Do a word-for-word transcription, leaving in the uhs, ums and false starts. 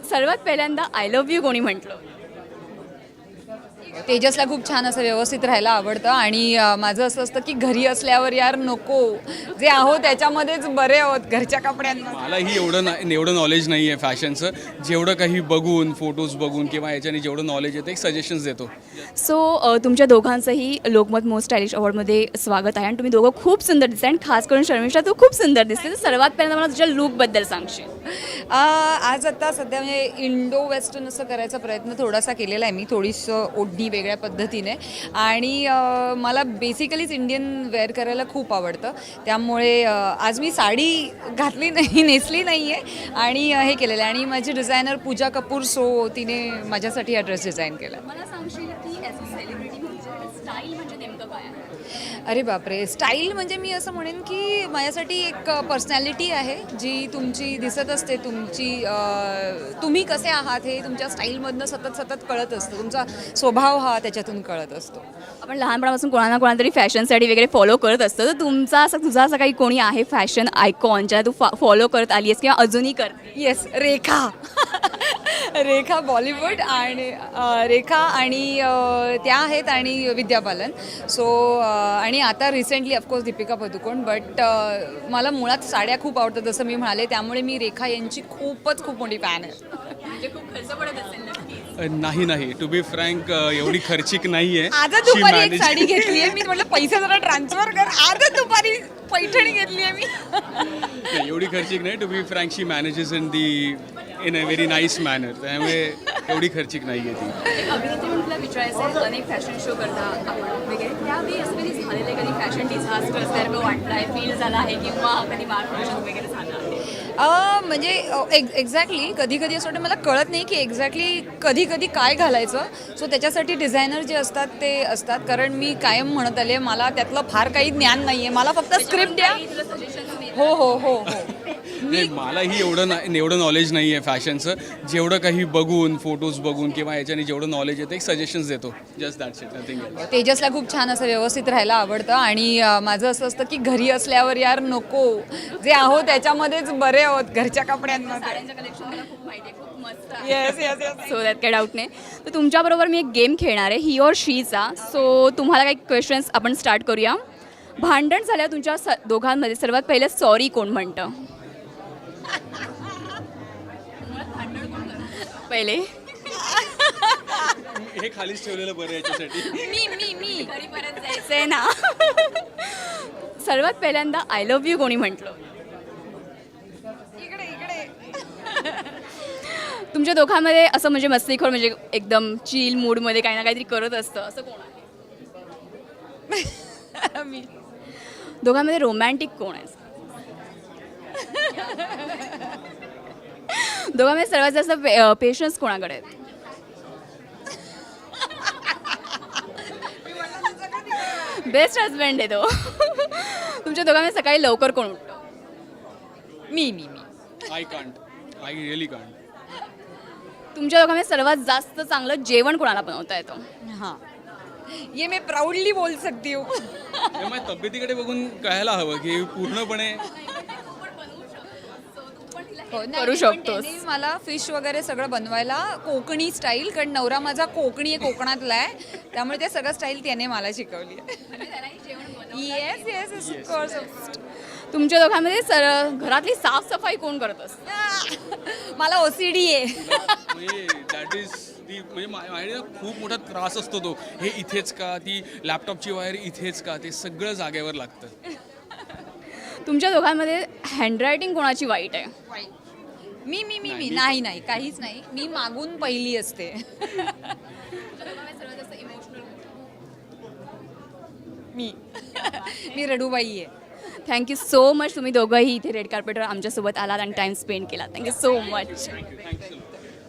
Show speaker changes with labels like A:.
A: सर्वात पहिल्यांदा I love you कोणी म्हटलं?
B: तेजसला खूप छान असं व्यवस्थित राहायला आवडतं आणि अ, माझं असं असतं की घरी असल्यावर यार नको, जे आहोत त्याच्यामध्येच बरे आहोत घरच्या कपड्यांमध्ये.
C: मलाही एवढं ना एवढं नॉलेज नाही आहे फॅशनचं. जेवढं काही बघून फोटोज बघून किंवा याच्याने जेवढं नॉलेज येतं एक सजेशन्स देतो.
A: सो तुमच्या दोघांचंही लोकमत मोस्ट स्टायलिश अवॉर्डमध्ये स्वागत आहे आणि तुम्ही दोघं खूप सुंदर दिसते आणि खास करून शर्मिष्ठा तू खूप सुंदर दिसते. तर सर्वात पहिल्यांदा मला तुझ्या लूकबद्दल सांगशील?
B: अ, आज आता सध्या म्हणजे इंडो वेस्टर्न असं करायचा प्रयत्न थोडासा केलेला आहे मी, थोडीसं ओढणी वेगळ्या पद्धतीने. आणि अ, मला बेसिकलीच इंडियन वेअर करायला खूप आवडतं, त्यामुळे अ, आज मी साडी घातली नाही, नेसली नाही आहे आणि अ, हे केलेलं आहे. आणि माझी डिझायनर पूजा कपूर, सो तिने माझ्यासाठी हा ड्रेस डिझाईन केला.
A: मला सांगशील की ॲज अ सेलिब्रिटी म्हणजे स्टाईल म्हणजे नेमकं काय आहे?
B: अरे बापरे, स्टाईल म्हणजे मी असं म्हणेन की माझ्यासाठी एक पर्सनॅलिटी आहे जी तुमची दिसत असते, तुमची अ, तुम्ही कसे आहात हे तुमच्या स्टाईलमधनं सतत सतत कळत असतं, तुमचा स्वभाव हा त्याच्यातून कळत असतो.
A: आपण लहानपणापासून कोणा ना कोणाला तरी फॅशनसाठी वगैरे फॉलो करत असतो. तर तुमचा असं तुझा असं काही कोणी आहे फॅशन आयकॉन ज्याला तू फॉलो करत आली आहेस किंवा अजूनही करते?
B: येस, रेखा. रेखा बॉलिवूड आणि अ, रेखा आणि अ, त्या आहेत आणि विद्या बालन. सो आणि आता recently of course Deepika Padukone. But मला मुळात साड्या खूप आवडतात जसं मी म्हणाले, त्यामुळे मी रेखा यांची खूपच खूप मोठी फॅन आहे.
A: म्हणजे खूप खर्च पडत असेल नक्की.
C: अ, नाही नाही टू बी फ्रँक एवढी खर्चिक नाही आहे.
B: आजच दुपारी एक साडी घेतली आहे मी, म्हटलं पैसे जरा ट्रान्सफर कर. आजच दुपारी पैठणी घेतली आहे मी.
C: एवढी खर्चिक नाही. To be frank she manages in the in a very nice manner. त्यामुळे एवढी खर्चिक नाही आहे ती.
A: एक अभिनेत्री म्हणून तुला विचारायचं आहे, अनेक फॅशन शो करता आपण वगैरे, त्यावेळी असं कधी झालेलं आहे, कधी फॅशन डिझास्टर असल्यासारखं वाटलं आहे, फील झाला आहे किंवा कधी माल प्रदर्शन वगैरे झालं आहे?
B: अ, म्हणजे एक एक्झॅक्टली कधी कधी असं वाटतं मला कळत नाही की एक्झॅक्टली कधी कधी काय घालायचं. सो त्याच्यासाठी डिझायनर जे असतात ते असतात, कारण मी कायम म्हणत आले मला त्यातलं फार काही ज्ञान नाही आहे, मला फक्त स्क्रिप्ट द्या. हो हो हो हो
C: नाही मलाही एवढं ना एवढं नॉलेज नाही आहे फॅशनचं. जेवढं काही बघून फोटोज बघून किंवा याच्याने जेवढं नॉलेज येतं एक सजेशन्स देतो. Just that's it, nothing else.
B: तेजसला खूप छान असं व्यवस्थित राहायला आवडतं आणि अ, माझं असं असतं की घरी असल्यावर यार नको, जे आहोत त्याच्यामध्येच बरे आहोत घरच्या कपड्यांमध्ये.
A: साड्यांचं कलेक्शन मला खूप माहिती आहे, खूप मस्त आहे.
B: Yes yes yes.
A: सो त्यात काही डाऊट नाही. तर तुमच्याबरोबर मी एक गेम खेळणार आहे, ही और शीचा. सो तुम्हाला काही क्वेश्चन्स आपण स्टार्ट करूया. भांडण झाल्यावर तुमच्या स दोघांमध्ये सर्वात पहिले सॉरी कोण म्हणतं? पहिले
C: हे खालीच ठेवलेलं बरं याच्यासाठी.
A: मी मी मी घरी परत जायचंय ना. सर्वात पहिल्यांदा आय लव्ह यू कोणी म्हटलं?
B: इकडे इकडे.
A: तुमच्या दोघांमध्ये असं म्हणजे मस्तीखोर म्हणजे एकदम चिल मूडमध्ये काही ना काहीतरी करत असतं असं कोण आहे?
B: मी.
A: दोघांमध्ये रोमॅन्टिक कोण आहे? दोघांमध्ये सर्वात जास्त पेशन्स कोणाकडे आहेत? बेस्ट हजबंड आहे तो. तुमच्या दोघांमध्ये सकाळी लवकर कोण उठतं?
B: मी मी मी
C: I can't, I really can't.
A: तुमच्या दोघांमध्ये सर्वात जास्त चांगलं जेवण कोणाला बनवता येतं?
B: हां, ये मैं प्राऊडली बोल सकती हूँ.
C: माझ्या तब्येतीकडे बघून कळायला हवं की पूर्णपणे
B: हो, नाही,
A: करू
B: पण
A: शकतोस.
B: त्याने मला फिश वगैरे सगळं बनवायला कोकणी स्टाईल, कारण नवरा माझा कोकणी आहे, कोकणातला आहे, त्यामुळे ते सगळं स्टाईल त्याने मला शिकवली आहे. Yes yes of course.
A: तुमच्या दोघांमध्ये सर घरातली साफसफाई कोण करत असतं?
B: मला ओसीडी आहे.
C: म्हणजे दॅट इज ती म्हणजे मा- माझ्या खूप मोठा त्रास असतो तो. हे इथेच का, ती लॅपटॉपची वायर इथेच का, ते सगळं जागेवर लागतं.
A: तुमच्या दोघांमध्ये हँडरायटिंग कोणाची वाईट आहे?
B: मी मी मी मी नाही नाही काहीच नाही, मी मागून पहिली असते. मी मी रडूबाई आहे.
A: Thank you so much. तुम्ही दोघंही इथे रेड कार्पेटवर आमच्यासोबत आलात आणि टाइम स्पेंड केला. Thank you so much.
C: Thank you thank you